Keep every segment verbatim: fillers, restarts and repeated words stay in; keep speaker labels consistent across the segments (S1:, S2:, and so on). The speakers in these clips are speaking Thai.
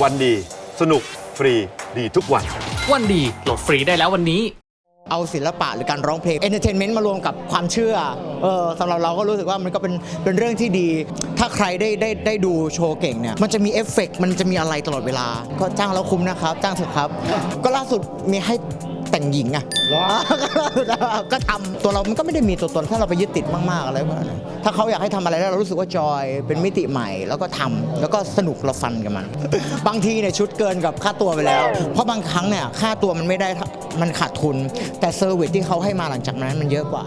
S1: วันดีสนุกฟรีดีทุกวัน
S2: วันดีโหลดฟรีได้แล้ววันนี้
S3: เอาศิลปะหรือการร้องเพลงเอนเตอร์เทนเมนต์มารวมกับความเชื่อเออสำหรับเราก็รู้สึกว่ามันก็เป็นเป็นเรื่องที่ดีถ้าใครได้ได้ได้ดูโชว์เก่งเนี่ยมันจะมีเอฟเฟกต์มันจะมีอะไรตลอดเวลาก็จ้างแล้วคุ้มนะครับจ้างเถอะครับก็ล่าสุดมีให้แต่งหญิงอ่ะก็ทำตัวเรามันก็ไม่ได้มีตัวตนถ้าเราไปยึดติดมากๆอะไรพวกนั้นถ้าเขาอยากให้ทำอะไรแล้วเรารู้สึกว่าจอยเป็นมิติใหม่แล้วก็ทำแล้วก็สนุกเราฟันกับมันบางทีเนี่ยชุดเกินกับค่าตัวไปแล้วเพราะบางครั้งเนี่ยค่าตัวมันไม่ได้มันขาดทุนแต่เซอร์วิสที่เขาให้มาหลังจากนั้นมันเยอะกว่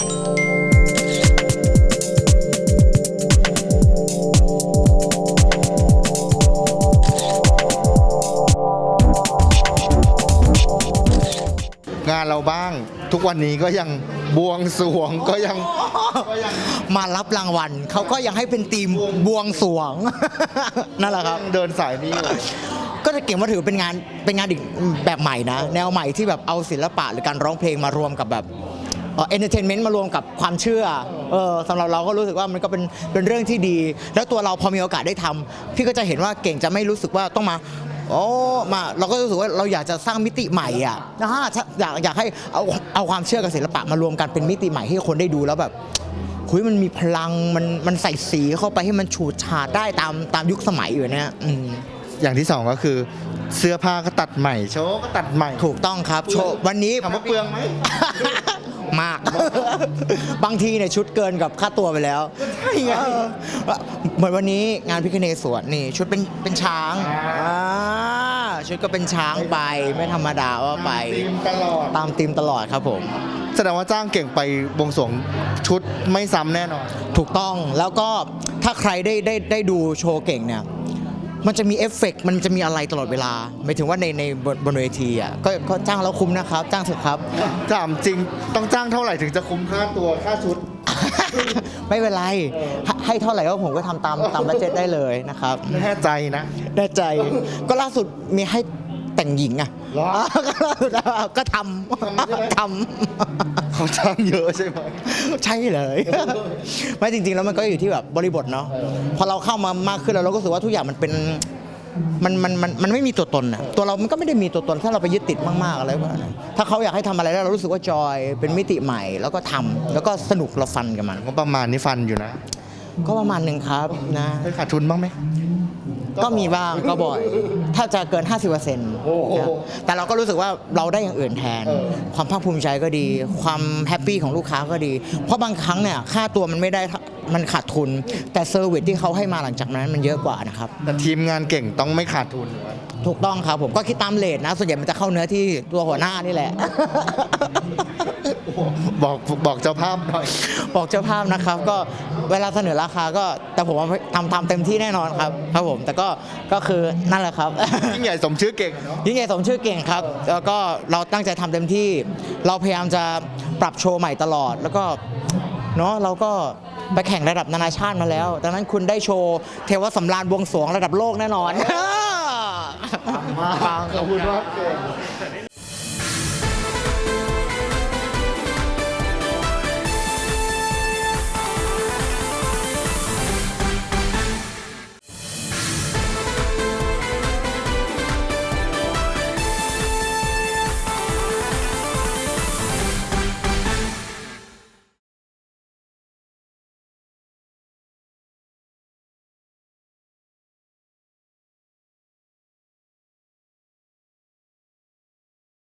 S4: างานเราบ้างทุกวันนี้ก็ยังบวงสรวงก็ยัง
S3: มารับรางวัลเขาก็ยังให้เป็นทีมบวงสรวงนั่นแหละครับ
S4: เดินสายนี้
S3: ก็จะเก่งว่าถือเป็นงานเป็นงานอีกแบบใหม่นะแนวใหม่ที่แบบเอาศิลปะหรือการร้องเพลงมารวมกับแบบเอนเตอร์เทนเมนต์มารวมกับความเชื่อเออสำหรับเราก็รู้สึกว่ามันก็เป็นเป็นเรื่องที่ดีแล้วตัวเราพอมีโอกาสได้ทำพี่ก็จะเห็นว่าเก่งจะไม่รู้สึกว่าต้องมาโอ้มาเราก็รู้สึกว่าเราอยากจะสร้างมิติใหม่อ่ะนะฮะอยากอยากให้เอาเอาความเชื่อกับศิลปะมารวมกันเป็นมิติใหม่ให้คนได้ดูแล้วแบบคุยมันมีพลังมันมันใส่สีเข้าไปให้มันฉูดฉาดได้ตามตามยุคสมัยอยู่เนี่ย
S4: อย่างที่สองก็คือเสื้อผ้าก็ตัดใหม่โชว์ก็ตัดใหม่
S3: ถูกต้องครับโชว์วันนี้
S4: ถามว่าเปลืองไหม
S3: มากบางทีเนี่ยชุดเกินกับค่าตัวไปแล้ว
S4: ใช่ไง
S3: เหมือนวันนี้งานพิคเนศวรนี่ชุดเป็นเป็นช้างชุดก็เป็นช้างไปไม่ธรรมดาว่าไป
S4: ตามธีมตลอด
S3: ตามธีมตลอดครับผม
S4: แสดงว่าจ้างเก่งไปบวงสรวงชุดไม่ซ้ำแน่นอน
S3: ถูกต้องแล้วก็ถ้าใครได้ได้ได้ดูโชว์เก่งเนี่ยมันจะมีเอฟเฟกต์มันจะมีอะไรตลอดเวลาหมายถึงว่าในในบนเวทีอ่ะก็ก็จ้างแล้วคุ้มนะครับจ้างเถอะครับ
S4: ถามจริงต้องจ้างเท่าไหร่ถึงจะคุ้มค่าตัวค่าชุด
S3: ไม่เป็นไรให้เท่าไหร่ก็ผมก็ทำตามตามบัดเจ็ตได้เลยนะครับ
S4: แน่ใจนะ
S3: แน่ใจก็ล่าสุดมีให้แต่งหญิงอ่ะก็ทำท
S4: ำเขาจ้างเยอะใช่ไหม
S3: ใช่เลยไม่จริงๆแล้วมันก็อยู่ที่แบบบริบทเนาะพอเราเข้ามามากขึ้นแล้วเราก็รู้สึกว่าทุกอย่างมันเป็นมันมันมันมันไม่มีตัวตนอ่ะตัวเรามันก็ไม่ได้มีตัวตนถ้าเราไปยึดติดมากๆอะไรพวกนั้นถ้าเขาอยากให้ทำอะไรแล้วเรารู้สึกว่าจอยเป็นมิติใหม่แล้วก็ทำแล้วก็สนุกเราฟันกับมัน
S4: ก็ประมาณนี้ฟันอยู่นะ
S3: ก็ประมาณหนึ่งครับนะ
S4: ขาดทุนบ้างไหม
S3: ก็มีบ้างก็บ่อยถ้าจะเกิน ห้าสิบเปอร์เซ็นต์ แต่เราก็รู้สึกว่าเราได้อย่างอื่นแทนความภาคภูมิใจก็ดีความแฮปปี้ของลูกค้าก็ดีเพราะบางครั้งเนี่ยค่าตัวมันไม่ได้มันขาดทุนแต่เซอร์วิสที่เขาให้มาหลังจากนั้นมันเยอะกว่านะครับ
S4: แต่ทีมงานเก่งต้องไม่ขาดทุน
S3: ถูกต้องครับผมก็คิดตามเรทนะส่วนใหญ่มันจะเข้าเนื้อที่ตัวหัวหน้านี่แหละ
S4: บอกบอกเจ้าภาพหน่อย
S3: บอกเจ้าภาพนะครับก็เวลาเสนอราคาก็แต่ผมว่าทำทำเต็มที่แน่นอนครับครับผมแต่ก็ก็คือนั่นแหละครับ
S4: ยิ่งใหญ่สมชื่อเก่ง
S3: ยิ่งใหญ่สมชื่อเก่งครับแล้วก็เราตั้งใจทำเต็มที่เราพยายามจะปรับโชว์ใหม่ตลอดแล้วก็เนาะเราก็ไปแข่งระดับนานาชาติมาแล้วดังนั้นคุณได้โชว์เทวสำราญบวงสรวงระดับโลกแน่นอน
S4: ขอบคุณมาก